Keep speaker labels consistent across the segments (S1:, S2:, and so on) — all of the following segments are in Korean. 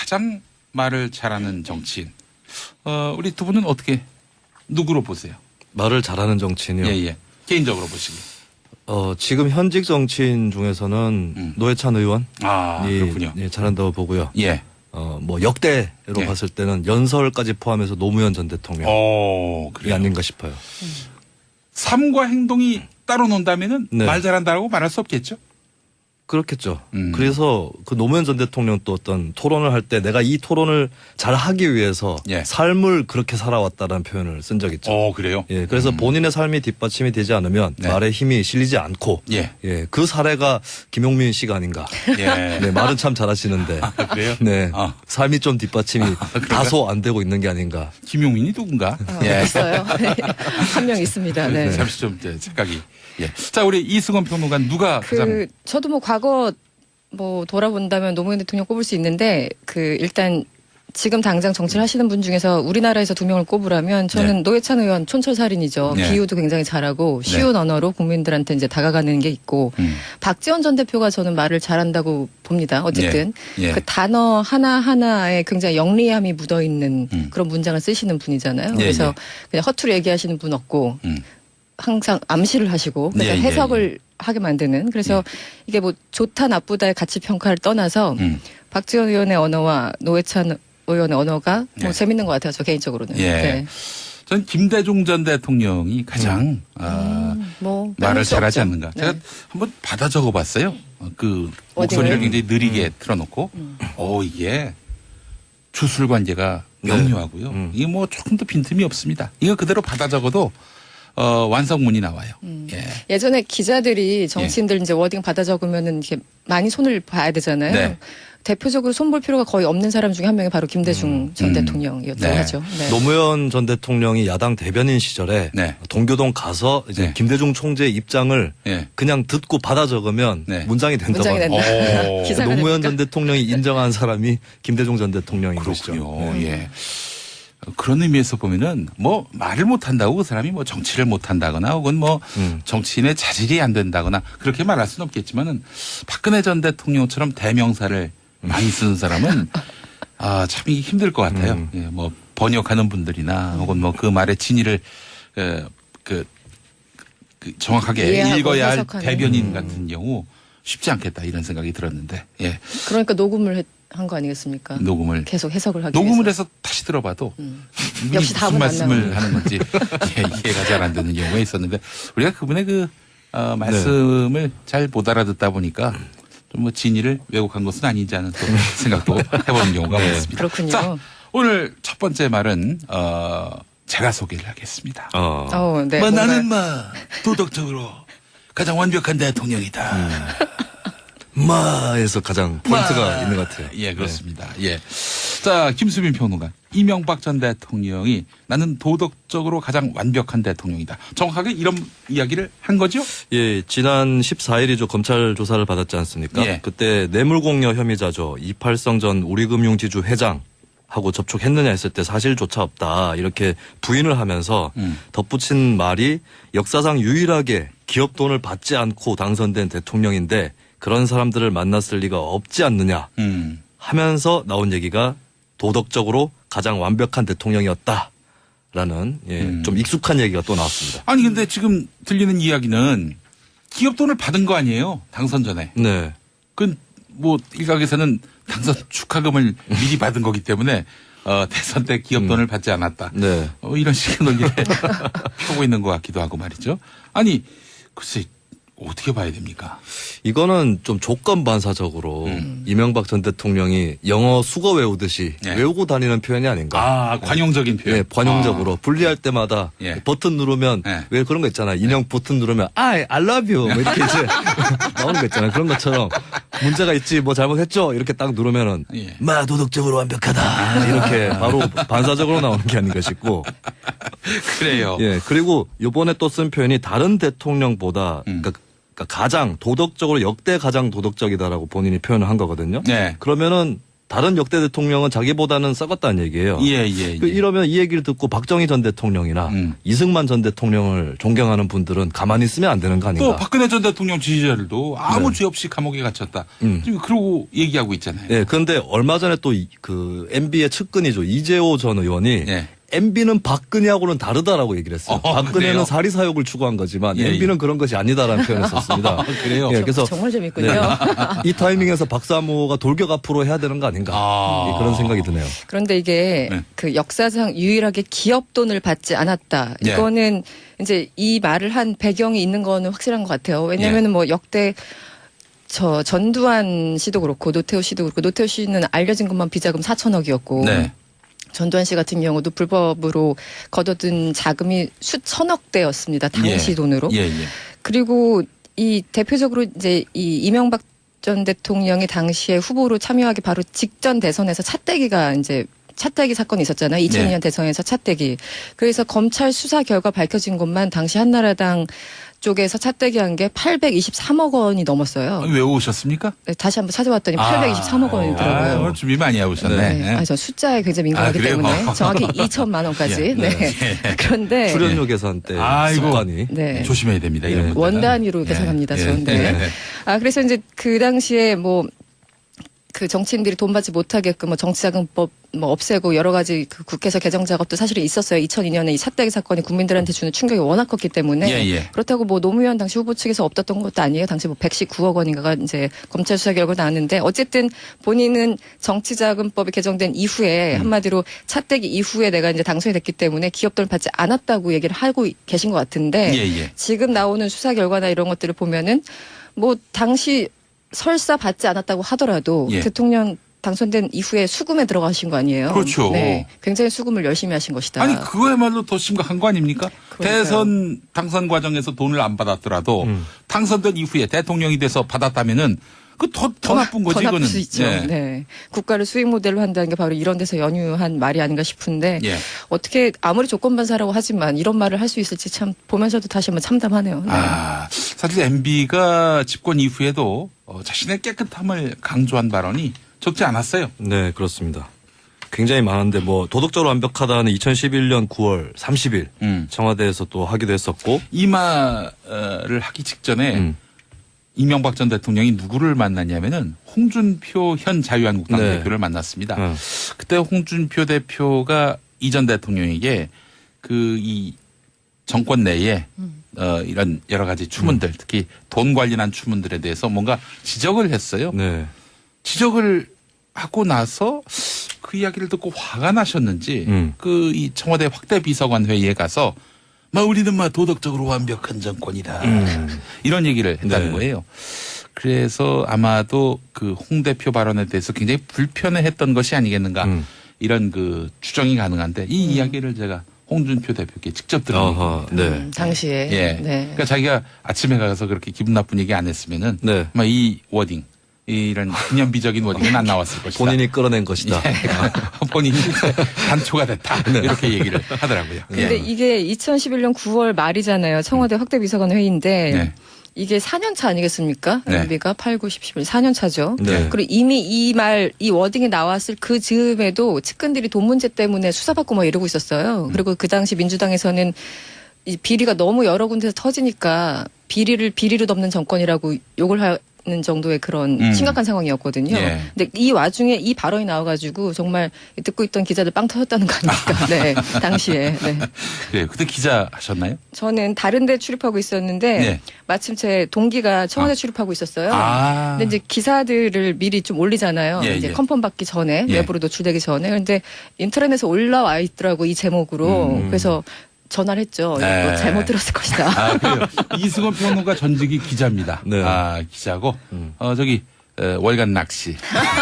S1: 가장 말을 잘하는 정치인. 우리 두 분은 어떻게 누구로 보세요?
S2: 말을 잘하는 정치인이요.
S1: 예. 개인적으로 보시기.
S2: 지금 현직 정치인 중에서는 노회찬 의원이
S1: 그렇군요.
S2: 예, 잘한다고 보고요.
S1: 예.
S2: 뭐 역대로
S1: 예.
S2: 봤을 때는 연설까지 포함해서 노무현 전 대통령이
S1: 그래요.
S2: 아닌가 싶어요.
S1: 삶과 행동이 따로 논다면은
S2: 네.
S1: 말 잘한다라고 말할 수 없겠죠?
S2: 그렇겠죠. 그래서 그 노무현 전 대통령 또 어떤 토론을 할 때 내가 이 토론을 잘 하기 위해서
S1: 예.
S2: 삶을 그렇게 살아왔다는 표현을 쓴 적 있죠.
S1: 그래요?
S2: 예, 그래서 본인의 삶이 뒷받침이 되지 않으면
S1: 네.
S2: 말에 힘이 실리지 않고
S1: 예.
S2: 그 사례가 김용민 씨가 아닌가.
S1: 예.
S2: 네, 말은 참 잘하시는데
S1: 그래요?
S2: 네,
S1: 삶이
S2: 삶이 좀 뒷받침이 다소 안 되고 있는 게 아닌가.
S1: 김용민이 누군가?
S3: 있어요. 한 명 있습니다. 네.
S1: 잠시 좀 생각이. 예. 자, 우리 이승원 평론가 누가 가장
S3: 저도 뭐 과거 뭐 돌아본다면 노무현 대통령 꼽을 수 있는데 일단 지금 당장 정치를 하시는 분 중에서 우리나라에서 두 명을 꼽으라면 저는 노회찬 의원 촌철살인이죠.
S1: 네.
S3: 비유도 굉장히 잘하고 쉬운 언어로 국민들한테 이제 다가가는 게 있고 박지원 전 대표가 저는 말을 잘한다고 봅니다. 어쨌든
S1: 예.
S3: 그 단어 하나하나에 굉장히 영리함이 묻어 있는 그런 문장을 쓰시는 분이잖아요.
S1: 예,
S3: 그래서 그냥 허투루 얘기하시는 분 없고 항상 암시를 하시고 그러니까
S1: 예, 예,
S3: 해석을 하게 만드는 그래서 이게 뭐 좋다 나쁘다의 가치 평가를 떠나서 박지원 의원의 언어와 노회찬 의원의 언어가 뭐 재밌는 것 같아요. 저 개인적으로는.
S1: 예.
S3: 네.
S1: 전 김대중 전 대통령이 가장
S3: 뭐
S1: 말을
S3: 빼놓을 수
S1: 잘하지
S3: 없죠.
S1: 않는가.
S3: 네.
S1: 제가 한번 받아 적어봤어요. 그
S3: 어디를?
S1: 목소리를 굉장히 느리게 틀어놓고, 이게 주술 관계가 명료하고요. 이게 뭐 조금 더 빈틈이 없습니다. 이거 그대로 받아 적어도 완성문이 나와요. 예.
S3: 예전에 기자들이 정치인들 이제 워딩 받아 적으면은 이렇게 많이 손을 봐야 되잖아요.
S1: 네.
S3: 대표적으로 손볼 필요가 거의 없는 사람 중에 한 명이 바로 김대중 전 대통령이었다고
S1: 네.
S3: 하죠. 네.
S2: 노무현 전 대통령이 야당 대변인 시절에
S1: 네.
S2: 동교동 가서 이제
S1: 네.
S2: 김대중 총재의 입장을
S1: 예.
S2: 그냥 듣고 받아 적으면
S1: 네.
S2: 문장이 된다고
S3: 문장이
S2: 합니다.
S3: 된다.
S1: 오.
S3: 기사가
S2: 노무현
S3: 됩니까?
S2: 전 대통령이 인정한 사람이 김대중 전 대통령인
S1: 그렇군요.
S2: 것이죠. 네.
S1: 예. 그런 의미에서 보면은 뭐 말을 못한다고 그 사람이 뭐 정치를 못한다거나 혹은 뭐 정치인의 자질이 안 된다거나 그렇게 말할 수는 없겠지만은 박근혜 전 대통령처럼 대명사를 많이 쓰는 사람은 참 이게 힘들 것 같아요. 예, 뭐 번역하는 분들이나 혹은 뭐 그 말의 진위를 그 정확하게
S3: 이해하고
S1: 읽어야 할
S3: 해석하는.
S1: 대변인 같은 경우 쉽지 않겠다 이런 생각이 들었는데 예.
S3: 그러니까 녹음을 한 거 아니겠습니까?
S1: 녹음을
S3: 계속 해석을 하기
S1: 녹음을
S3: 위해서.
S1: 해서 다시 들어봐도
S3: 역시
S1: 무슨
S3: 답은 안
S1: 말씀을
S3: 나오는.
S1: 하는 건지 이해가 잘 안 되는 경우가 있었는데 우리가 그분의 그 말씀을 잘 못 알아듣다 보니까 좀 뭐 진위를 왜곡한 것은 아닌지 하는 또 생각도 해보는 경우가 많습니다.
S3: 그렇군요.
S1: 자, 오늘 첫 번째 말은 제가 소개를 하겠습니다.
S3: 네,
S1: 뭐
S3: 뭔가
S1: 나는 도덕적으로 가장 완벽한 대통령이다.
S2: 마에서 가장 포인트가 있는 것 같아요.
S1: 예, 그렇습니다. 예. 자, 김수민 평론가. 이명박 전 대통령이 나는 도덕적으로 가장 완벽한 대통령이다. 정확하게 이런 이야기를 한 거죠?
S2: 예, 지난 14일이죠. 검찰 조사를 받았지 않습니까?
S1: 예.
S2: 그때 뇌물공여 혐의자죠. 이팔성 전 우리금융지주 회장하고 접촉했느냐 했을 때 사실조차 없다. 이렇게 부인을 하면서 덧붙인 말이 역사상 유일하게 기업 돈을 받지 않고 당선된 대통령인데 그런 사람들을 만났을 리가 없지 않느냐 하면서 나온 얘기가 도덕적으로 가장 완벽한 대통령이었다라는 좀 익숙한 얘기가 또 나왔습니다.
S1: 아니, 근데 지금 들리는 이야기는 기업 돈을 받은 거 아니에요? 당선 전에.
S2: 네.
S1: 그건 뭐 일각에서는 당선 축하금을 미리 받은 거기 때문에 대선 때 기업 돈을 받지 않았다.
S2: 네.
S1: 이런 식의 논리를 펴고 있는 것 같기도 하고 말이죠. 아니, 글쎄 어떻게 봐야 됩니까?
S2: 이거는 좀 조건반사적으로 이명박 전 대통령이 영어 수거 외우듯이
S1: 예.
S2: 외우고 다니는 표현이 아닌가.
S1: 관용적인 표현.
S2: 예, 관용적으로 분리할 때마다
S1: 예.
S2: 버튼 누르면
S1: 예.
S2: 왜 그런 거 있잖아요. 인형 버튼 누르면 I love you 뭐 이렇게 이제 나오는 거 있잖아요. 그런 것처럼 문제가 있지 뭐 잘못했죠 이렇게 딱 누르면은
S1: 예.
S2: 마 도덕적으로 완벽하다 이렇게 바로 반사적으로 나오는 게 아닌가 싶고.
S1: 그래요.
S2: 예, 그리고 이번에 또 쓴 표현이 다른 대통령보다 그러니까 가장 도덕적으로 역대 가장 도덕적이다라고 본인이 표현을 한 거거든요.
S1: 네.
S2: 그러면은 다른 역대 대통령은 자기보다는 썩었다는 얘기예요.
S1: 예.
S2: 이러면 이 얘기를 듣고 박정희 전 대통령이나 이승만 전 대통령을 존경하는 분들은 가만히 있으면 안 되는 거 아닌가.
S1: 또 박근혜 전 대통령 지지자들도 아무 죄 없이 감옥에 갇혔다. 지금 그러고 얘기하고 있잖아요.
S2: 네, 그런데 얼마 전에 또 그 MB의 측근이죠. 이재호 전 의원이
S1: 예.
S2: MB는 박근혜하고는 다르다라고 얘기를 했어요. 박근혜는
S1: 그래요?
S2: 사리사욕을 추구한 거지만
S1: 예,
S2: MB는 그런 것이 아니다라는 표현을 썼습니다.
S1: 그래요?
S2: 예, 그래서
S3: 정말 재밌군요.
S2: 이 타이밍에서 박사모가 돌격 앞으로 해야 되는 거 아닌가. 예, 그런 생각이 드네요.
S3: 그런데 이게
S1: 네.
S3: 그 역사상 유일하게 기업 돈을 받지 않았다.
S1: 예.
S3: 이거는 이제 이 말을 한 배경이 있는 거는 확실한 것 같아요. 왜냐하면 뭐 역대 저 전두환 씨도 그렇고 노태우 씨도 그렇고 노태우 씨는 알려진 것만 비자금 4천억이었고
S1: 네.
S3: 전두환 씨 같은 경우도 불법으로 거둬든 자금이 수천억 대였습니다. 당시
S1: 예.
S3: 돈으로.
S1: 예.
S3: 그리고 이 대표적으로 이제 이 이명박 전 대통령이 당시에 후보로 참여하기 바로 직전 대선에서 차떼기 사건이 있었잖아요. 2002년
S1: 네.
S3: 대선에서 차떼기. 그래서 검찰 수사 결과 밝혀진 것만 당시 한나라당 쪽에서 차떼기한 게 823억 원이 넘었어요.
S1: 왜 오셨습니까?
S3: 네, 다시 한번 찾아봤더니 823억 원이더라고요.
S1: 오늘 준비 많이 해오셨네.
S3: 네. 아, 저 숫자에 굉장히 민감하기
S1: 그래요?
S3: 때문에 정확히 2천만 원까지.
S1: 예.
S3: 네. 그런데
S2: 출연료 계산 때
S1: 아이고.
S2: 습관이.
S3: 네.
S1: 조심해야 됩니다. 이런
S2: 네.
S1: 것들은.
S3: 원 단위로
S1: 예.
S3: 계산합니다.
S1: 예.
S3: 전. 네.
S1: 예.
S3: 아, 그래서 이제 그 당시에 뭐 그 정치인들이 돈 받지 못하게끔 뭐 정치자금법 뭐 없애고 여러 가지 그 국회에서 개정 작업도 사실은 있었어요. 2002년에 이 차떼기 사건이 국민들한테 주는 충격이 워낙 컸기 때문에
S1: 예.
S3: 그렇다고 뭐 노무현 당시 후보 측에서 없었던 것도 아니에요. 당시 뭐 119억 원인가가 이제 검찰 수사 결과 나왔는데 어쨌든 본인은 정치자금법이 개정된 이후에 한마디로 차떼기 이후에 내가 이제 당선이 됐기 때문에 기업돈을 받지 않았다고 얘기를 하고 계신 것 같은데
S1: 예.
S3: 지금 나오는 수사 결과나 이런 것들을 보면은 뭐 당시 설사 받지 않았다고 하더라도
S1: 예.
S3: 대통령 당선된 이후에 수금에 들어가신 거 아니에요?
S1: 그렇죠.
S3: 네, 굉장히 수금을 열심히 하신 것이다.
S1: 아니 그거야말로 더 심각한 거 아닙니까?
S3: 그러니까요.
S1: 대선 당선 과정에서 돈을 안 받았더라도 당선된 이후에 대통령이 돼서 받았다면은 그 더 나쁜 거지
S3: 더 나쁠
S1: 이거는.
S3: 수 있죠.
S1: 예.
S3: 네. 국가를 수익 모델로 한다는 게 바로 이런 데서 연유한 말이 아닌가 싶은데
S1: 예.
S3: 어떻게 아무리 조건반사라고 하지만 이런 말을 할 수 있을지 참 보면서도 다시 한번 참담하네요. 네.
S1: 아, 사실 MB가 집권 이후에도 자신의 깨끗함을 강조한 발언이 적지 않았어요.
S2: 네, 그렇습니다. 굉장히 많은데 뭐 도덕적으로 완벽하다는 2011년 9월 30일 청와대에서 또 하기도 했었고
S1: 이 말을 하기 직전에 이명박 전 대통령이 누구를 만났냐면은 홍준표 현 자유한국당
S2: 네.
S1: 대표를 만났습니다. 그때 홍준표 대표가 이 전 대통령에게 그 이 정권 내에 이런 여러 가지 추문들 특히 돈 관련한 추문들에 대해서 뭔가 지적을 했어요.
S2: 네.
S1: 지적을 하고 나서 그 이야기를 듣고 화가 나셨는지 그 이 청와대 확대 비서관 회의에 가서 우리는 도덕적으로 완벽한 정권이다. 이런 얘기를 했다는
S2: 네.
S1: 거예요. 그래서 아마도 그 홍 대표 발언에 대해서 굉장히 불편해했던 것이 아니겠는가 이런 그 추정이 가능한데 이 이야기를 제가 홍준표 대표께 직접 들은
S2: 아하,
S1: 얘기입니다.
S2: 네.
S3: 당시에.
S1: 예.
S3: 네.
S1: 그러니까 자기가 아침에 가서 그렇게 기분 나쁜 얘기 안 했으면은
S2: 네.
S1: 아마 이 워딩 이런 기념비적인 워딩은 안 나왔을 것이다.
S2: 본인이 끌어낸 것이다.
S1: 본인이 단초가 됐다. 이렇게 얘기를 하더라고요.
S3: 근데
S1: 예.
S3: 이게 2011년 9월 말이잖아요. 청와대 확대 비서관 회의인데
S1: 네.
S3: 이게 4년 차 아니겠습니까?
S1: 네.
S3: MB가 8, 9, 10, 11, 4년 차죠.
S2: 네.
S3: 그리고 이미 이 워딩이 나왔을 그 즈음에도 측근들이 돈 문제 때문에 수사받고 이러고 있었어요. 그리고 그 당시 민주당에서는 이 비리가 너무 여러 군데서 터지니까 비리를 비리로 덮는 정권이라고 욕을 하는 정도의 그런 심각한 상황이었거든요.
S1: 예.
S3: 근데 이 와중에 이 발언이 나와가지고 정말 듣고 있던 기자들 빵 터졌다는 거 아닙니까? 네, 당시에. 네.
S1: 그래요. 그때 기자 하셨나요?
S3: 저는 다른 데 출입하고 있었는데
S1: 네.
S3: 마침 제 동기가 청와대 출입하고 있었어요.
S1: 아.
S3: 근데 이제 기사들을 미리 좀 올리잖아요.
S1: 예,
S3: 이제
S1: 예.
S3: 컨펌 받기 전에
S1: 예.
S3: 외부로 노출되기 전에. 근데 인터넷에서 올라와 있더라고 이 제목으로. 그래서 전화를 했죠.
S1: 네.
S3: 이거 잘못 들었을 것이다.
S1: 아, 그래요. 이승원 평론가 전직이 기자입니다.
S2: 네.
S1: 아, 기자고. 저기 월간 낚시.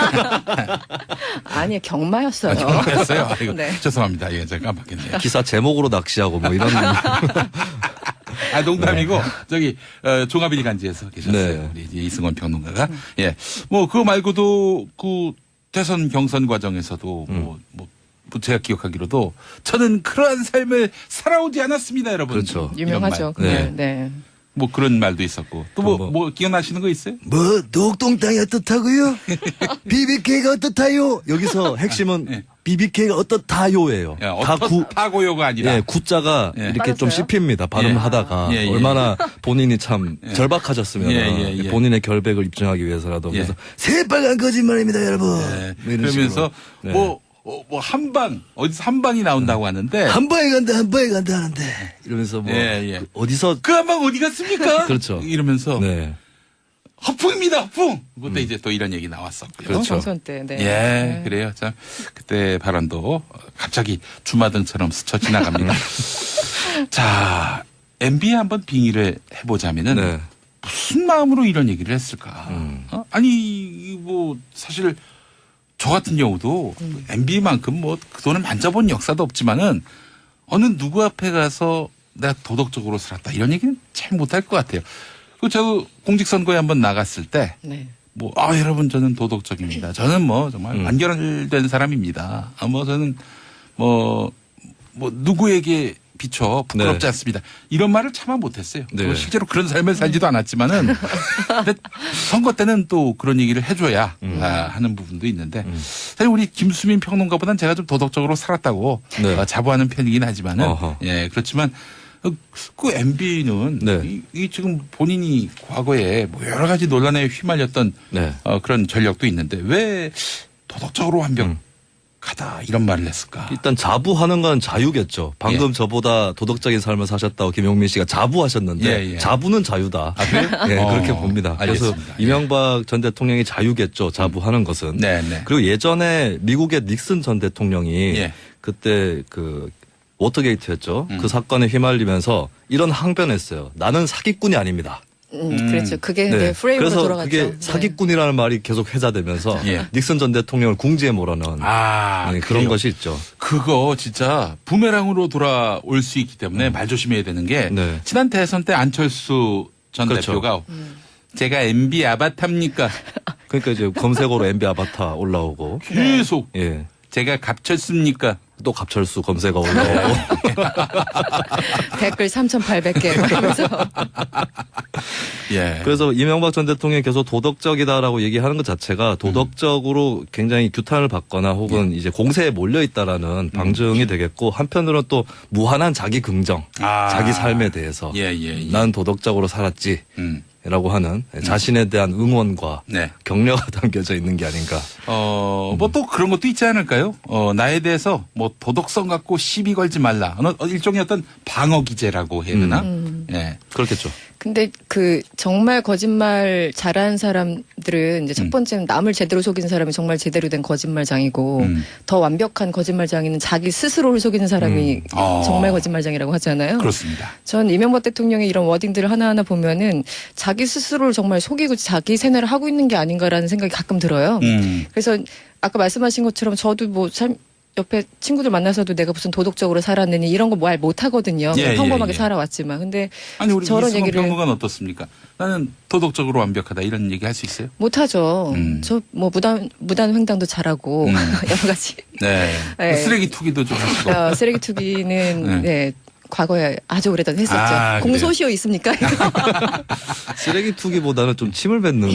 S3: 아니 경마였어요.
S1: 했어요. 아이고,
S3: 네.
S1: 죄송합니다. 예, 제가 깜빡했네요.
S2: 기사 제목으로 낚시하고 뭐 이런.
S1: 아, 농담이고, 저기, 종합일 간지에서 계셨어요.
S2: 네.
S1: 우리 이제 이승원 평론가가. 예. 그거 말고도 그 대선 경선 과정에서도 제가 기억하기로도 저는 그러한 삶을 살아오지 않았습니다, 여러분.
S2: 그렇죠.
S1: 이런
S3: 유명하죠.
S1: 말.
S3: 그날.
S2: 네.
S3: 네.
S1: 뭐 그런 말도 있었고 또 뭐 기억나시는 거 있어요?
S2: 뭐 녹동땅이 어떻다고요? BBK가 어떻다요? 여기서 핵심은
S1: 예.
S2: BBK가 어떻다요예요.
S1: 야, 어떻다고요가 아니라
S2: 예, 구자가
S1: 예.
S2: 이렇게 좀
S3: 빠졌어요?
S2: 씹힙니다. 발음하다가
S1: 예, 예.
S2: 얼마나 본인이 참 절박하셨으면
S1: 예, 예.
S2: 본인의 결백을 입증하기 위해서라도
S1: 예.
S2: 그래서 새빨간 거짓말입니다, 여러분.
S1: 네.
S2: 뭐 이런
S1: 그러면서
S2: 식으로. 네.
S1: 뭐 한방 어디서 한방이 나온다고 하는데
S2: 한 방에 간다 하는데 이러면서 뭐
S1: 예, 예.
S2: 그 어디서
S1: 그 한방 어디 갔습니까?
S2: 그렇죠.
S1: 이러면서
S2: 네.
S1: 허풍입니다, 허풍. 그때 이제 또 이런 얘기 나왔었고요.
S2: 그렇죠.
S3: 총선 때. 네.
S1: 예,
S3: 네.
S1: 그래요. 참 그때 발언도 갑자기 주마등처럼 스쳐 지나갑니다. 자, MB에 한번 빙의를 해보자면은
S2: 네.
S1: 무슨 마음으로 이런 얘기를 했을까? 아니 뭐 사실 저 같은 경우도 MB만큼 뭐 그동안 만져본 역사도 없지만은 어느 누구 앞에 가서 내가 도덕적으로 살았다 이런 얘기는 잘 못할 것 같아요. 그 저 공직선거에 한번 나갔을 때
S3: 네.
S1: 뭐, 여러분, 저는 도덕적입니다. 저는 뭐, 정말 완결된 사람입니다. 뭐, 저는 누구에게 비춰 부끄럽지
S2: 네.
S1: 않습니다. 이런 말을 차마 못했어요.
S2: 네.
S1: 실제로 그런 삶을 살지도 않았지만은, 근데 선거 때는 또 그런 얘기를 해줘야 하는 부분도 있는데, 사실 우리 김수민 평론가보다는 제가 좀 도덕적으로 살았다고
S2: 네.
S1: 자부하는 편이긴 하지만은,
S2: 어허.
S1: 예, 그렇지만, 그 MB는
S2: 네.
S1: 이 지금 본인이 과거에 뭐 여러 가지 논란에 휘말렸던
S2: 네.
S1: 그런 전력도 있는데 왜 도덕적으로 완벽하다 이런 말을 했을까?
S2: 일단 자부하는 건 자유겠죠. 방금
S1: 예.
S2: 저보다 도덕적인 삶을 사셨다고 김용민 씨가 자부하셨는데
S1: 예, 예.
S2: 자부는 자유다.
S1: 그래요?
S2: 예, 그렇게 봅니다. 그래서
S1: 알겠습니다. 예.
S2: 이명박 전 대통령이 자유겠죠. 자부하는 것은.
S1: 네, 네.
S2: 그리고 예전에 미국의 닉슨 전 대통령이
S1: 예.
S2: 그때 그 워터게이트였죠. 그 사건에 휘말리면서 이런 항변했어요. 나는 사기꾼이 아닙니다.
S3: 그렇죠. 그게 네, 프레임으로
S2: 그래서
S3: 돌아갔죠.
S2: 그게
S3: 네.
S2: 사기꾼이라는 말이 계속 회자되면서
S1: 예.
S2: 닉슨 전 대통령을 궁지에 몰아넣은 네, 그런
S1: 그래요?
S2: 것이 있죠.
S1: 그거 진짜 부메랑으로 돌아올 수 있기 때문에 말 조심해야 되는 게
S2: 네.
S1: 지난 대선 때 안철수 전
S2: 그렇죠.
S1: 대표가 제가 MB 아바타입니까?
S2: 그러니까 이제 검색어로 MB 아바타 올라오고
S1: 계속
S2: 예.
S1: 제가 갑쳤습니까?
S2: 또 갑철수 검색어 올라오고
S3: 댓글 3,800개 하면서
S1: 예.
S2: 그래서 이명박 전 대통령이 계속 도덕적이다라고 얘기하는 것 자체가 도덕적으로 굉장히 규탄을 받거나 혹은 이제 공세에 몰려 있다라는 방증이 되겠고 한편으로는 또 무한한 자기 긍정, 자기 삶에 대해서
S1: 예, 예, 예.
S2: 난 도덕적으로 살았지.
S1: 음.
S2: 라고 하는 자신에 대한 응원과
S1: 네.
S2: 격려가 담겨져 있는 게 아닌가.
S1: 뭐 또 그런 것도 있지 않을까요? 나에 대해서 뭐 도덕성 갖고 시비 걸지 말라. 일종의 어떤 방어 기제라고 해야 되나? 예.
S2: 그렇겠죠.
S3: 근데 그 정말 거짓말 잘하는 사람들은 이제 첫 번째는 남을 제대로 속이는 사람이 정말 제대로 된 거짓말장이고 더 완벽한 거짓말장이는 자기 스스로를 속이는 사람이 정말 거짓말장이라고 하잖아요.
S1: 그렇습니다.
S3: 전 이명박 대통령의 이런 워딩들을 하나하나 보면은 자기 스스로를 정말 속이고 자기 세뇌를 하고 있는 게 아닌가라는 생각이 가끔 들어요. 그래서 아까 말씀하신 것처럼 저도 뭐 옆에 친구들 만나서도 내가 무슨 도덕적으로 살았느니 이런 거 말 못하거든요.
S1: 예,
S3: 평범하게
S1: 예, 예.
S3: 살아왔지만. 근데
S1: 아니 우리
S3: 저런
S1: 이승원
S3: 얘기를
S1: 평론가는 어떻습니까? 나는 도덕적으로 완벽하다 이런 얘기 할 수 있어요?
S3: 못하죠. 저 뭐 무단 횡단도 잘하고 여러 가지.
S1: 네.
S3: 네.
S1: 쓰레기 투기도 좀 하시고.
S3: 쓰레기 투기는 네. 과거에 아주 오래전에 했었죠.
S1: 아, 그래요?
S3: 공소시효 있습니까?
S2: 쓰레기 투기보다는 좀 침을 뱉는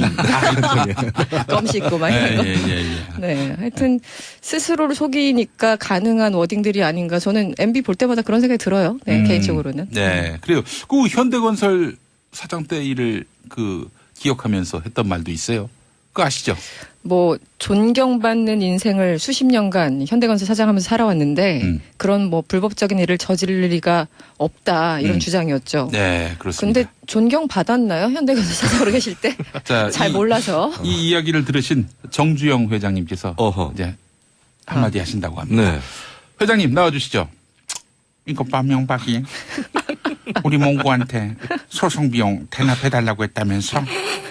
S3: 껌 씻고 막 이런 거.
S1: 예.
S3: 네, 하여튼 스스로를 속이니까 가능한 워딩들이 아닌가. 저는 MB 볼 때마다 그런 생각이 들어요. 네, 개인적으로는.
S1: 네. 그래요. 그 현대건설 사장 때 일을 기억하면서 했던 말도 있어요. 그거 아시죠?
S3: 뭐 존경받는 인생을 수십 년간 현대건설 사장하면서 살아왔는데 그런 뭐 불법적인 일을 저지를 리가 없다 이런 주장이었죠.
S1: 네, 그렇습니다.
S3: 근데 존경받았나요? 현대건설 사장으로 계실 때?
S1: 자,
S3: 잘 몰라서.
S1: 이 이야기를 들으신 정주영 회장님께서
S2: 어허.
S1: 이제 한마디 하신다고 합니다.
S2: 네.
S1: 회장님 나와주시죠. 이거 박명박이 우리 몽구한테 소송 비용 대납해달라고 했다면서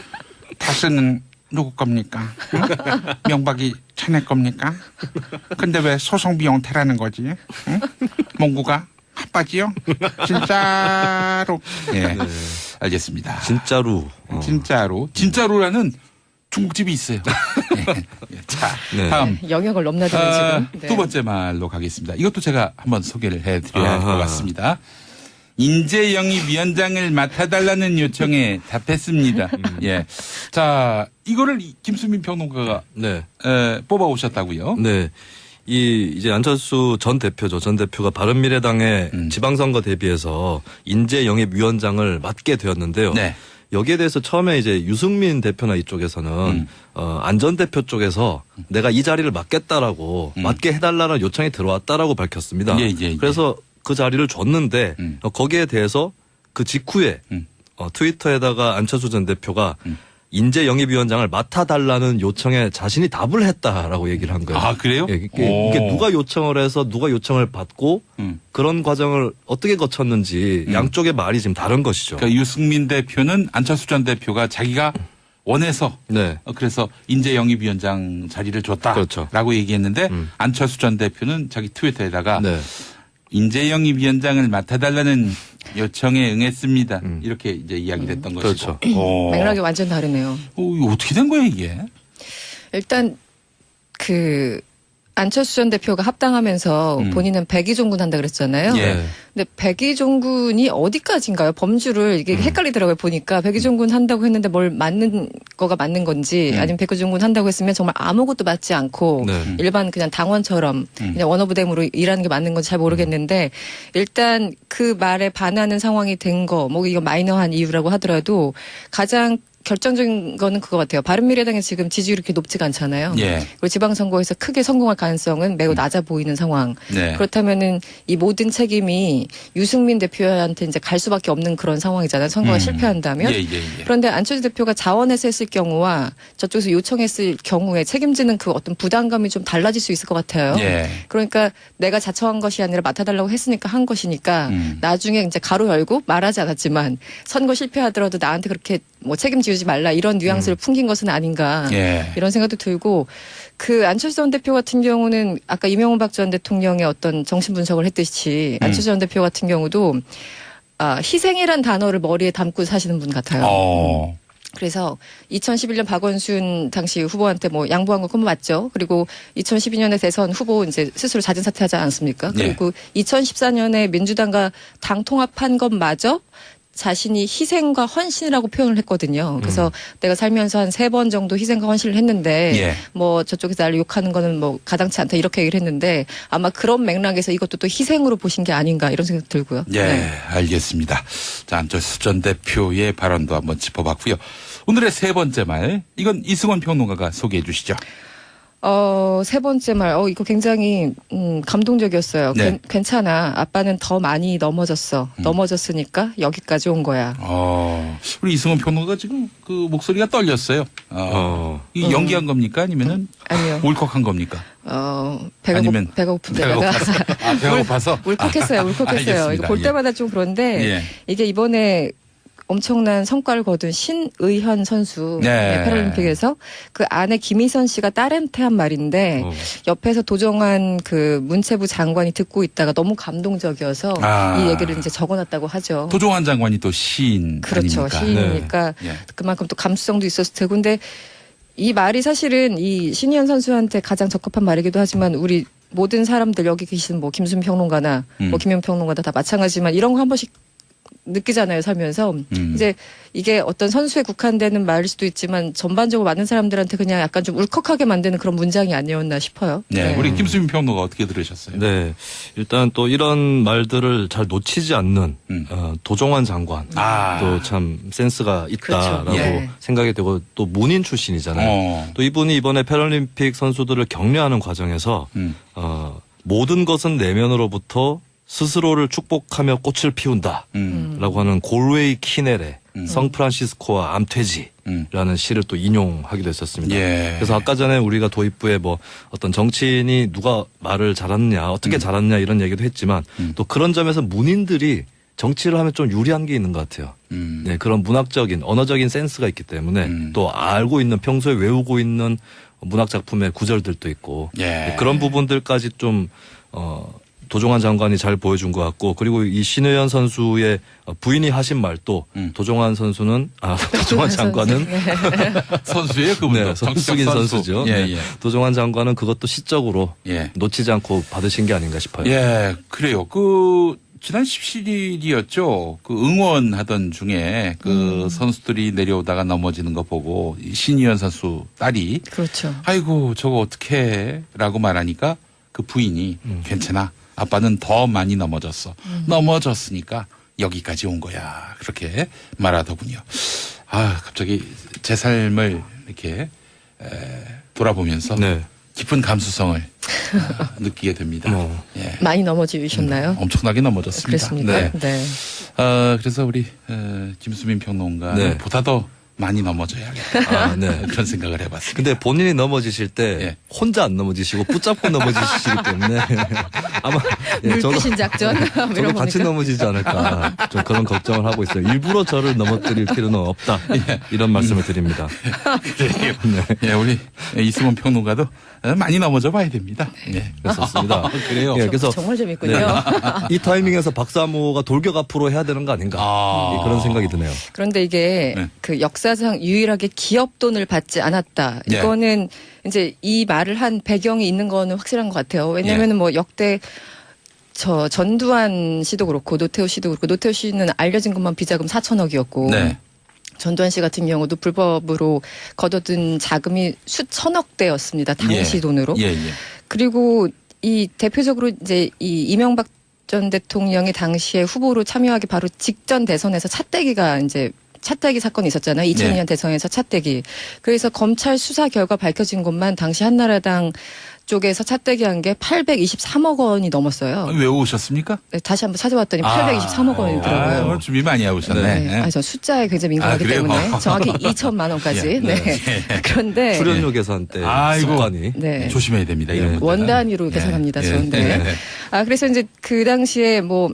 S1: 다스는 누구 겁니까? 응? 명박이 자네 겁니까? 근데 왜 소송 비용 대라는 거지? 응? 몽구가 핫바지요? 진짜로? 예, 알겠습니다.
S2: 진짜로.
S1: 진짜로라는 중국집이 있어요. 예. 자,
S2: 네.
S1: 다음
S3: 영역을 넘나드는 지금. 네.
S1: 두 번째 말로 가겠습니다. 이것도 제가 한번 소개를 해드려야 할 것
S2: 아하.
S1: 같습니다. 인재영입위원장을 맡아달라는 요청에 답했습니다. 예. 자, 이거를 김수민 평론가가
S2: 네.
S1: 뽑아오셨다고요?
S2: 네. 이제 안철수 전 대표죠. 전 대표가 바른미래당의 지방선거 대비해서 인재영입위원장을 맡게 되었는데요.
S1: 네.
S2: 여기에 대해서 처음에 이제 유승민 대표나 이쪽에서는 안 전 대표 쪽에서 내가 이 자리를 맡겠다라고 맡게 해달라는 요청이 들어왔다라고 밝혔습니다.
S1: 예.
S2: 그래서 그 자리를 줬는데 거기에 대해서 그 직후에 트위터에다가 안철수 전 대표가 인재영입위원장을 맡아달라는 요청에 자신이 답을 했다라고 얘기를 한 거예요.
S1: 아, 그래요?
S2: 예, 이게 누가 요청을 해서 누가 요청을 받고 그런 과정을 어떻게 거쳤는지 양쪽의 말이 지금 다른 것이죠.
S1: 그러니까 유승민 대표는 안철수 전 대표가 자기가 원해서
S2: 네.
S1: 그래서 인재영입위원장 자리를 줬다라고
S2: 그렇죠.
S1: 얘기했는데 안철수 전 대표는 자기 트위터에다가
S2: 네.
S1: 인재영입위원장을 맡아달라는 요청에 응했습니다. 이렇게 이제 이야기를 했던 것이죠.
S2: 그렇죠.
S3: 맥락이 완전 다르네요.
S1: 이거 어떻게 된 거예요 이게?
S3: 일단 그 안철수 전 대표가 합당하면서 본인은 백의종군 한다 그랬잖아요.
S1: 예.
S3: 근데 백의종군이 어디까지인가요? 범주를 이게 헷갈리더라고요. 보니까 백의종군 한다고 했는데 뭘 맞는 거가 맞는 건지 아니면 백의종군 한다고 했으면 정말 아무것도 맞지 않고
S2: 네.
S3: 일반 그냥 당원처럼 그냥 원어부댐으로 일하는 게 맞는 건지 잘 모르겠는데 일단 그 말에 반하는 상황이 된 거 뭐 이거 마이너한 이유라고 하더라도 가장 결정적인 거는 그거 같아요. 바른미래당이 지금 지지율이 그렇게 높지가 않잖아요.
S1: 예.
S3: 그리고 지방선거에서 크게 성공할 가능성은 매우 낮아 보이는 상황.
S1: 네.
S3: 그렇다면은 이 모든 책임이 유승민 대표한테 이제 갈 수밖에 없는 그런 상황이잖아요. 선거가 실패한다면.
S1: 예.
S3: 그런데 안철수 대표가 자원해서 했을 경우와 저쪽에서 요청했을 경우에 책임지는 그 어떤 부담감이 좀 달라질 수 있을 것 같아요.
S1: 예.
S3: 그러니까 내가 자처한 것이 아니라 맡아달라고 했으니까 한 것이니까 나중에 이제 가로 열고 말하지 않았지만 선거 실패하더라도 나한테 그렇게 뭐 책임지우지 말라 이런 뉘앙스를 풍긴 것은 아닌가
S1: 예.
S3: 이런 생각도 들고 그 안철수 전 대표 같은 경우는 아까 이명박 전 대통령의 어떤 정신 분석을 했듯이 안철수 전 대표 같은 경우도 희생이란 단어를 머리에 담고 사시는 분 같아요. 그래서 2011년 박원순 당시 후보한테 뭐 양보한 거 그건 맞죠. 그리고 2012년에 대선 후보 이제 스스로 자진 사퇴하지 않았습니까? 그리고 2014년에 민주당과 당 통합한 것마저 자신이 희생과 헌신이라고 표현을 했거든요. 그래서 내가 살면서 한 3번 정도 희생과 헌신을 했는데
S1: 예.
S3: 뭐 저쪽에서 나를 욕하는 거는 뭐 가당치 않다 이렇게 얘기를 했는데 아마 그런 맥락에서 이것도 또 희생으로 보신 게 아닌가 이런 생각 들고요.
S1: 예,
S3: 네.
S1: 알겠습니다. 자, 안철수 전 대표의 발언도 한번 짚어봤고요. 오늘의 세 번째 말, 이건 이승원 평론가가 소개해 주시죠.
S3: 세 번째 말, 이거 굉장히, 감동적이었어요.
S1: 네.
S3: 괜찮아. 아빠는 더 많이 넘어졌어. 넘어졌으니까 여기까지 온 거야.
S1: 우리 이승원 평론가가 지금 그 목소리가 떨렸어요. 이 연기한 겁니까? 아니면은
S3: 아니요.
S1: 울컥한 겁니까? 아니면
S3: 배가 고픈
S1: 배가
S3: 데다가.
S1: 고파서. 배가 고파서?
S3: 울컥했어요. 울컥했어요. 이거 볼
S1: 예.
S3: 때마다 좀 그런데
S1: 예.
S3: 이게 이번에 엄청난 성과를 거둔 신의현 선수
S1: 네.
S3: 패럴림픽에서 그 아내 김희선 씨가 딸한테 한 말인데 옆에서 도정환 그 문체부 장관이 듣고 있다가 너무 감동적이어서 이 얘기를 이제 적어놨다고 하죠.
S1: 도종환 장관이 또 시인
S3: 그렇죠.
S1: 아닙니까?
S3: 시인이니까
S1: 네.
S3: 그만큼 또 감수성도 있었을 테고 근데 이 말이 사실은 이 신희연 선수한테 가장 적합한 말이기도 하지만 우리 모든 사람들 여기 계신 뭐 김순 평론가나 뭐 김영 평론가나 다 마찬가지지만 이런 거 한 번씩 느끼잖아요, 살면서. 이제 이게 어떤 선수에 국한되는 말일 수도 있지만 전반적으로 많은 사람들한테 그냥 약간 좀 울컥하게 만드는 그런 문장이 아니었나 싶어요.
S1: 네. 우리 김수민 평론가 어떻게 들으셨어요?
S2: 네. 일단 또 이런 말들을 잘 놓치지 않는 도종환 장관. 또 참 센스가 있다라고
S3: 그렇죠. 예.
S2: 생각이 되고 또 문인 출신이잖아요. 또 이분이 이번에 패럴림픽 선수들을 격려하는 과정에서 모든 것은 내면으로부터 스스로를 축복하며 꽃을 피운다. 라고 하는 골웨이 키넬의 성프란시스코와 암퇴지라는 시를 또 인용하기도 했었습니다.
S1: 예.
S2: 그래서 아까 전에 우리가 도입부에 뭐 어떤 정치인이 누가 말을 잘하느냐, 어떻게 잘하느냐 이런 얘기도 했지만 또 그런 점에서 문인들이 정치를 하면 좀 유리한 게 있는 것 같아요. 네, 그런 문학적인, 언어적인 센스가 있기 때문에 또 알고 있는, 평소에 외우고 있는 문학 작품의 구절들도 있고
S1: 예.
S2: 네, 그런 부분들까지 좀 도종환 장관이 잘 보여준 것 같고 그리고 이 신의현 선수의 부인이 하신 말도 도종환 선수는 도종환 장관은
S1: 선수예요, 그분도.
S2: 네, 정숙인 선수죠.
S1: 예,
S2: 네.
S1: 예.
S2: 도종환 장관은 그것도 시적으로
S1: 예.
S2: 놓치지 않고 받으신 게 아닌가 싶어요.
S1: 예, 그래요. 지난 17일이었죠. 그 응원하던 중에 그 선수들이 내려오다가 넘어지는 거 보고 이 신이현 선수 딸이
S3: 그렇죠.
S1: 아이고 저거 어떡해 라고 말하니까 그 부인이 괜찮아. 아빠는 더 많이 넘어졌어. 넘어졌으니까 여기까지 온 거야. 그렇게 말하더군요. 아 갑자기 제 삶을 이렇게 돌아보면서
S2: 네.
S1: 깊은 감수성을 느끼게 됩니다. 예.
S3: 많이 넘어지셨나요?
S1: 엄청나게 넘어졌습니다.
S3: 그랬습니까?
S1: 네.
S3: 네.
S1: 그래서 우리 김수민 평론가
S2: 네.
S1: 보다 더 많이 넘어져야겠다.
S2: 아, 네.
S1: 그런 생각을 해봤습니다.
S2: 근데 본인이 넘어지실 때
S1: 예.
S2: 혼자 안 넘어지시고 붙잡고 넘어지시기 때문에 아마
S3: 물귀신 작전
S2: 저도
S3: 이런
S2: 같이
S3: 겁니까?
S2: 넘어지지 않을까 좀 그런 걱정을 하고 있어요. 일부러 저를 넘어뜨릴 필요는 없다. 이런 말씀을 드립니다.
S1: 그래요. 예, 우리 이승원 평론가도 많이 넘어져 봐야 됩니다. 예.
S2: 그렇습니다.
S1: 그래요.
S2: 예, 그래서
S3: 정말 재밌군요.
S2: 이 타이밍에서 박사모가 돌격 앞으로 해야 되는 거 아닌가
S1: 아.
S2: 그런 생각이 드네요.
S3: 그런데 이게
S1: 네.
S3: 그 역사상 유일하게 기업 돈을 받지 않았다.
S1: 예.
S3: 이거는 이제 이 말을 한 배경이 있는 거는 확실한 것 같아요. 왜냐하면 뭐 역대 저 전두환 씨도 그렇고 노태우 씨도 그렇고 노태우 씨는 알려진 것만 비자금 4천억이었고
S1: 네.
S3: 전두환 씨 같은 경우도 불법으로 거둬든 자금이 수천억 대였습니다. 당시
S1: 예.
S3: 돈으로.
S1: 예, 예.
S3: 그리고 이 대표적으로 이제 이 이명박 전 대통령이 당시에 후보로 참여하기 바로 직전 대선에서 차떼기가 이제 차떼기 사건이 있었잖아요. 2002년
S1: 네.
S3: 대선에서 차떼기. 그래서 검찰 수사 결과 밝혀진 것만 당시 한나라당 쪽에서 차떼기 한 게 823억 원이 넘었어요.
S1: 왜 오셨습니까?
S3: 네, 다시 한번 찾아봤더니 823억 원이더라고요.
S1: 오늘 준비 많이 해오셨네.
S3: 네. 아, 저 숫자에 굉장히 민감하기
S1: 그래요?
S3: 때문에 정확히 2천만 원까지.
S1: 예.
S3: 네. 그런데
S2: 출연료 계산 때
S1: 아이고.
S2: 습관이
S3: 네.
S1: 조심해야 됩니다. 이런
S2: 네.
S1: 것들은.
S3: 원 단위로
S1: 예.
S3: 계산합니다.
S1: 예.
S3: 저는. 네. 아, 그래서 이제 그 당시에 뭐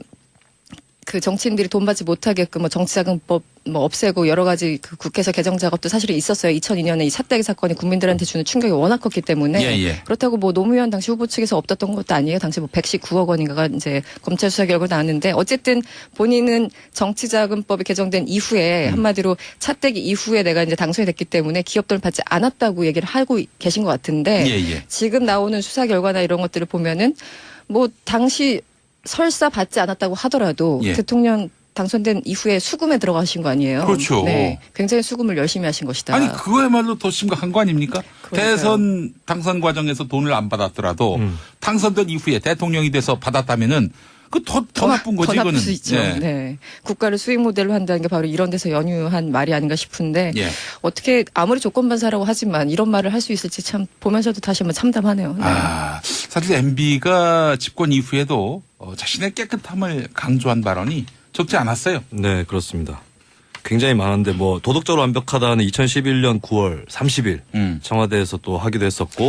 S3: 그 정치인들이 돈 받지 못하게끔 뭐 정치자금법 뭐 없애고 여러 가지 그 국회에서 개정 작업도 사실은 있었어요. 2002년에 이 차떼기 사건이 국민들한테 주는 충격이 워낙 컸기 때문에
S1: 예, 예.
S3: 그렇다고 뭐 노무현 당시 후보 측에서 없었던 것도 아니에요. 당시 뭐 119억 원인가가 이제 검찰 수사 결과 나왔는데 어쨌든 본인은 정치자금법이 개정된 이후에 한마디로 차떼기 이후에 내가 이제 당선이 됐기 때문에 기업 돈을 받지 않았다고 얘기를 하고 계신 것 같은데
S1: 예, 예.
S3: 지금 나오는 수사 결과나 이런 것들을 보면은 뭐 당시 설사 받지 않았다고 하더라도
S1: 예.
S3: 대통령 당선된 이후에 수금에 들어가신 거 아니에요?
S1: 그렇죠.
S3: 네, 굉장히 수금을 열심히 하신 것이다.
S1: 아니 그거야말로 더 심각한 거 아닙니까?
S3: 그러니까요.
S1: 대선 당선 과정에서 돈을 안 받았더라도 당선된 이후에 대통령이 돼서 받았다면은 그 더 나쁜 거지
S3: 더 나쁠
S1: 이거는.
S3: 수 있죠.
S1: 예.
S3: 네. 국가를 수익 모델로 한다는 게 바로 이런 데서 연유한 말이 아닌가 싶은데
S1: 예.
S3: 어떻게 아무리 조건반사라고 하지만 이런 말을 할 수 있을지 참 보면서도 다시 한번 참담하네요. 네.
S1: 아, 사실 MB가 집권 이후에도 자신의 깨끗함을 강조한 발언이 적지 않았어요.
S2: 네, 그렇습니다. 굉장히 많은데 뭐 도덕적으로 완벽하다는 2011년 9월 30일 청와대에서 또 하기도 했었고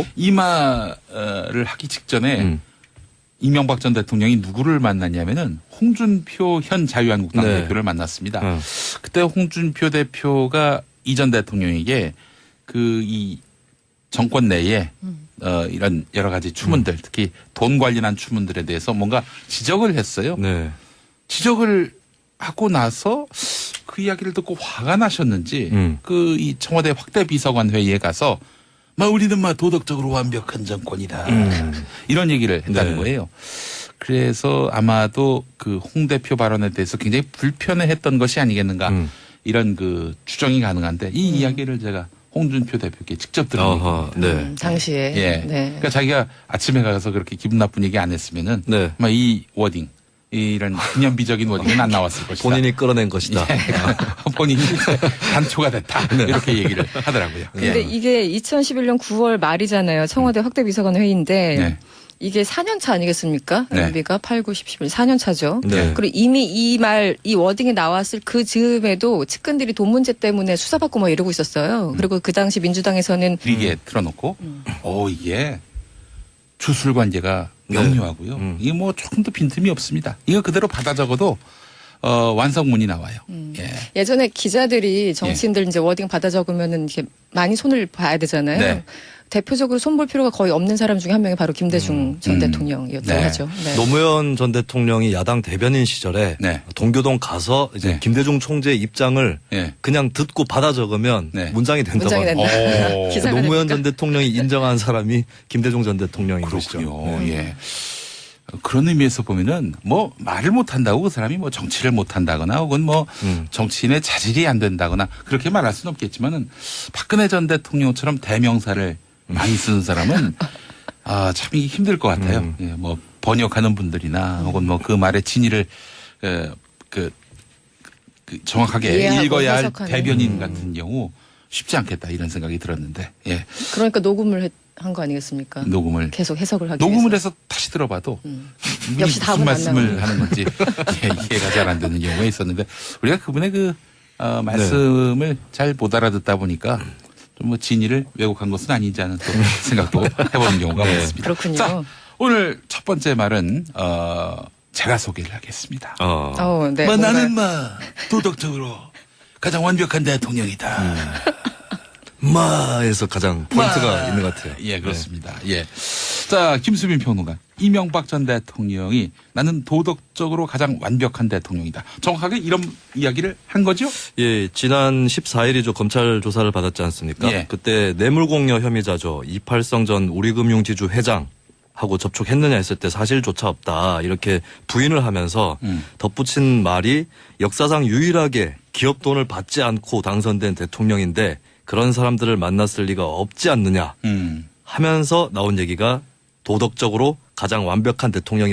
S1: 이마를 하기 직전에 이명박 전 대통령이 누구를 만났냐면은 홍준표 현 자유한국당
S2: 네.
S1: 대표를 만났습니다. 그때 홍준표 대표가 이 전 대통령에게 그 이 정권 내에 이런 여러 가지 추문들 특히 돈 관련한 추문들에 대해서 뭔가 지적을 했어요.
S2: 네.
S1: 지적을 하고 나서 그 이야기를 듣고 화가 나셨는지 그 이 청와대 확대 비서관 회의에 가서 막 우리는 막 도덕적으로 완벽한 정권이다 이런 얘기를 했다는
S2: 네.
S1: 거예요. 그래서 아마도 그 홍 대표 발언에 대해서 굉장히 불편해했던 것이 아니겠는가 이런 그 추정이 가능한데 이 이야기를 제가 홍준표 대표께 직접 들은
S2: 어허,
S1: 얘기입니다.
S2: 네.
S3: 당시에.
S1: 예.
S3: 네.
S1: 그러니까 자기가 아침에 가서 그렇게 기분 나쁜 얘기 안 했으면은
S2: 네.
S1: 아마 이 워딩 이런 기념비적인 워딩은 안 나왔을 것이다.
S2: 본인이 끌어낸 것이다.
S1: 예. 본인이 단초가 됐다. 이렇게 얘기를 하더라고요.
S3: 근데
S1: 예.
S3: 이게 2011년 9월 말이잖아요. 청와대 확대 비서관 회의인데
S1: 네.
S3: 이게 4년 차 아니겠습니까?
S1: 네.
S3: MB가 8, 9, 10, 11, 4년 차죠.
S2: 네.
S3: 그리고 이미 이 워딩이 나왔을 그 즈음에도 측근들이 돈 문제 때문에 수사받고 뭐 이러고 있었어요. 그리고 그 당시 민주당에서는
S1: 이게 틀어놓고 이게 주술 관계가
S2: 네.
S1: 명료하고요. 이게 뭐 조금 더 빈틈이 없습니다. 이거 그대로 받아 적어도 완성문이 나와요. 예.
S3: 예전에 기자들이 정치인들 이제 워딩 받아 적으면은 이렇게 많이 손을 봐야 되잖아요.
S1: 네.
S3: 대표적으로 손볼 필요가 거의 없는 사람 중에 한 명이 바로 김대중 전 대통령이었다고
S1: 네.
S3: 하죠. 네.
S2: 노무현 전 대통령이 야당 대변인 시절에
S1: 네.
S2: 동교동 가서 이제
S1: 네.
S2: 김대중 총재의 입장을
S1: 예.
S2: 그냥 듣고 받아 적으면
S1: 네.
S2: 문장이 된다고
S3: 문장이
S2: 합니다.
S3: 된다.
S1: 오.
S3: 기사가
S2: 노무현
S3: 됩니까?
S2: 전 대통령이 인정한 사람이 김대중 전 대통령인
S1: 그렇군요.
S2: 것이죠. 네.
S1: 예. 그런 의미에서 보면은 뭐 말을 못한다고 그 사람이 뭐 정치를 못한다거나 혹은 뭐 정치인의 자질이 안 된다거나 그렇게 말할 수는 없겠지만은 박근혜 전 대통령처럼 대명사를 많이 쓰는 사람은 참 이게 힘들 것 같아요. 예, 뭐 번역하는 분들이나 혹은 뭐 그 말의 진위를 그 정확하게
S3: 이해하고
S1: 읽어야 할
S3: 해석하는.
S1: 대변인 같은 경우 쉽지 않겠다 이런 생각이 들었는데 예.
S3: 그러니까 녹음을 한 거 아니겠습니까?
S1: 녹음을
S3: 계속 해석을 하기
S1: 녹음을
S3: 위해서.
S1: 해서 다시 들어봐도 이분이
S3: 역시
S1: 무슨
S3: 답은 안
S1: 말씀을
S3: 나오는.
S1: 하는 건지 예, 이해가 잘 안 되는 경우가 있었는데 우리가 그분의 그 말씀을 잘 못 알아듣다 보니까 좀 뭐 진위를 왜곡한 것은 아니지 않은 또 생각도 해보는 경우가 많습니다.
S3: 그렇군요.
S1: 자, 오늘 첫 번째 말은 제가 소개를 하겠습니다.
S3: 네,
S1: 뭐
S3: 뭔가
S1: 나는 도덕적으로 가장 완벽한 대통령이다.
S2: 마에서 가장 포인트가 있는 것 같아요.
S1: 예, 그렇습니다. 예. 자, 김수민 평론가. 이명박 전 대통령이 나는 도덕적으로 가장 완벽한 대통령이다. 정확하게 이런 이야기를 한 거죠?
S2: 예, 지난 14일이죠. 검찰 조사를 받았지 않습니까?
S1: 예.
S2: 그때 뇌물공여 혐의자죠. 이팔성 전 우리금융지주 회장하고 접촉했느냐 했을 때 사실조차 없다. 이렇게 부인을 하면서 덧붙인 말이 역사상 유일하게 기업 돈을 받지 않고 당선된 대통령인데 그런 사람들을 만났을 리가 없지 않느냐 하면서 나온 얘기가 도덕적으로 가장 완벽한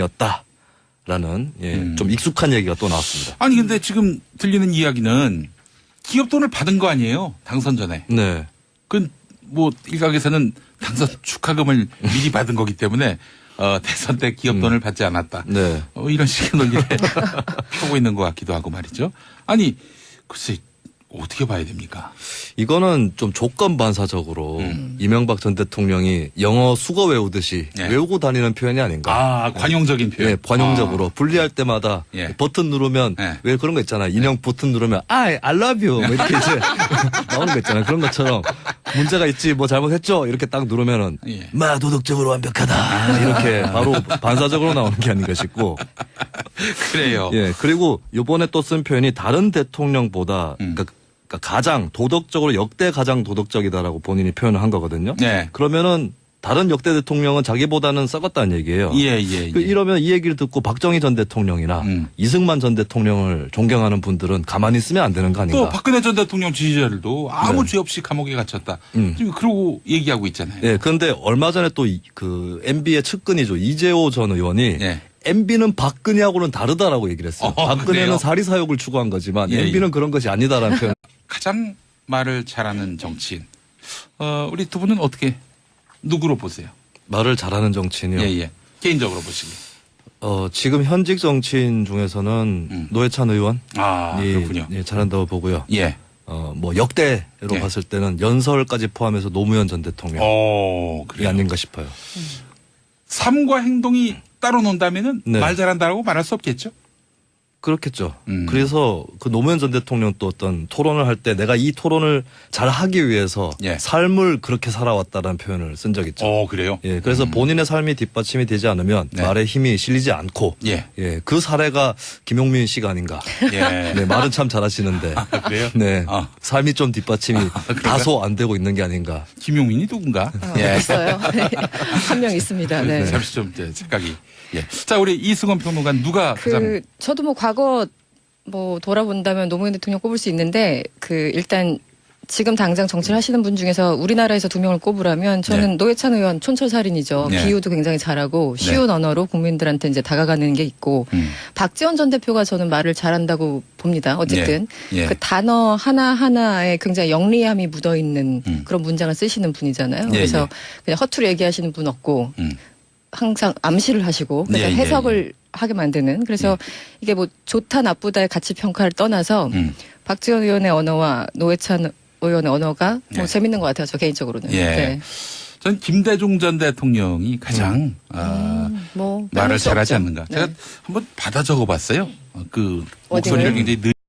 S2: 대통령이었다라는 좀 익숙한 얘기가 또 나왔습니다.
S1: 아니, 근데 지금 들리는 이야기는 기업 돈을 받은 거 아니에요? 당선 전에.
S2: 네.
S1: 그 뭐 일각에서는 당선 축하금을 미리 받은 거기 때문에 대선 때 기업 돈을 받지 않았다.
S2: 네.
S1: 이런 식의 논리를 하고 있는 것 같기도 하고 말이죠. 아니, 글쎄 어떻게 봐야 됩니까?
S2: 이거는 좀 조건반사적으로 이명박 전 대통령이 영어 수거 외우듯이
S1: 네.
S2: 외우고 다니는 표현이 아닌가.
S1: 관용적인 표현.
S2: 네, 관용적으로 분리할 때마다
S1: 예.
S2: 버튼 누르면
S1: 예.
S2: 왜 그런 거 있잖아. 인형 버튼 누르면 I love you 뭐 이렇게 이제 나오는 거 있잖아요. 그런 것처럼 문제가 있지 뭐 잘못했죠 이렇게 딱 누르면은
S1: 예.
S2: 마 도덕적으로 완벽하다 이렇게 바로 반사적으로 나오는 게 아닌가 싶고.
S1: 그래요.
S2: 예, 그리고 요번에 또 쓴 표현이 다른 대통령보다 그러니까 가장 도덕적으로 역대 가장 도덕적이다라고 본인이 표현을 한 거거든요.
S1: 네.
S2: 그러면은 다른 역대 대통령은 자기보다는 썩었다는 얘기예요.
S1: 예.
S2: 이러면 이 얘기를 듣고 박정희 전 대통령이나 이승만 전 대통령을 존경하는 분들은 가만히 있으면 안 되는 거 아닌가.
S1: 또 박근혜 전 대통령 지지자들도 아무 죄 없이 감옥에 갇혔다. 지금 그러고 얘기하고 있잖아요.
S2: 예, 그런데 얼마 전에 또 그 MB의 측근이죠. 이재호 전 의원이
S1: 예.
S2: MB는 박근혜하고는 다르다라고 얘기를 했어요.
S1: 그래요?
S2: 박근혜는 사리사욕을 추구한 거지만
S1: 예,
S2: MB는 그런 것이 아니다라는 표현.
S1: 가장 말을 잘하는 정치인. 우리 두 분은 어떻게 누구로 보세요?
S2: 말을 잘하는 정치인이요.
S1: 예. 개인적으로 보시기.
S2: 지금 현직 정치인 중에서는 노회찬 의원이
S1: 그렇군요.
S2: 예, 잘한다고 보고요.
S1: 예.
S2: 뭐 역대로
S1: 예.
S2: 봤을 때는 연설까지 포함해서 노무현 전 대통령이
S1: 그래요.
S2: 아닌가 싶어요.
S1: 삶과 행동이 따로 논다면은
S2: 네.
S1: 말 잘한다고 말할 수 없겠죠?
S2: 그렇겠죠. 그래서 그 노무현 전 대통령 또 어떤 토론을 할 때 내가 이 토론을 잘 하기 위해서
S1: 예.
S2: 삶을 그렇게 살아왔다라는 표현을 쓴 적 있죠.
S1: 그래요?
S2: 예, 그래서 본인의 삶이 뒷받침이 되지 않으면
S1: 네.
S2: 말에 힘이 실리지 않고
S1: 예.
S2: 그 사례가 김용민 씨가 아닌가.
S1: 예.
S2: 네, 말은 참 잘하시는데.
S1: 그래요?
S2: 네.
S1: 아.
S2: 삶이 좀 뒷받침이 다소 안 되고 있는 게 아닌가.
S1: 김용민이 누군가?
S3: 있어요. 한 명 있습니다. 네.
S1: 잠시 좀 이제 생각이. 예. 자, 우리 이승원 평론가 누가 가장
S3: 저도 뭐 과거 뭐 돌아본다면 노무현 대통령 꼽을 수 있는데 일단 지금 당장 정치를 하시는 분 중에서 우리나라에서 두 명을 꼽으라면 저는
S1: 네.
S3: 노회찬 의원 촌철살인이죠.
S1: 네.
S3: 비유도 굉장히 잘하고 쉬운 언어로 국민들한테 이제 다가가는 게 있고 박지원 전 대표가 저는 말을 잘한다고 봅니다. 어쨌든
S1: 예.
S3: 그 단어 하나하나에 굉장히 영리함이 묻어 있는 그런 문장을 쓰시는 분이잖아요.
S1: 예,
S3: 그래서 그냥 허투루 얘기하시는 분 없고 항상 암시를 하시고 그래서
S1: 예,
S3: 해석을 하게 만드는 그래서 이게 뭐 좋다 나쁘다의 가치 평가를 떠나서 박지원 의원의 언어와 노회찬 의원의 언어가 뭐
S1: 예.
S3: 재밌는 것 같아요. 저 개인적으로는.
S1: 예.
S3: 네.
S1: 전 김대중 전 대통령이 가장
S3: 뭐
S1: 말을
S3: 빼놓을 수
S1: 잘하지
S3: 없죠.
S1: 않는가.
S3: 네.
S1: 제가 한번 받아 적어봤어요. 그
S3: 워딩을?
S1: 목소리를 굉장히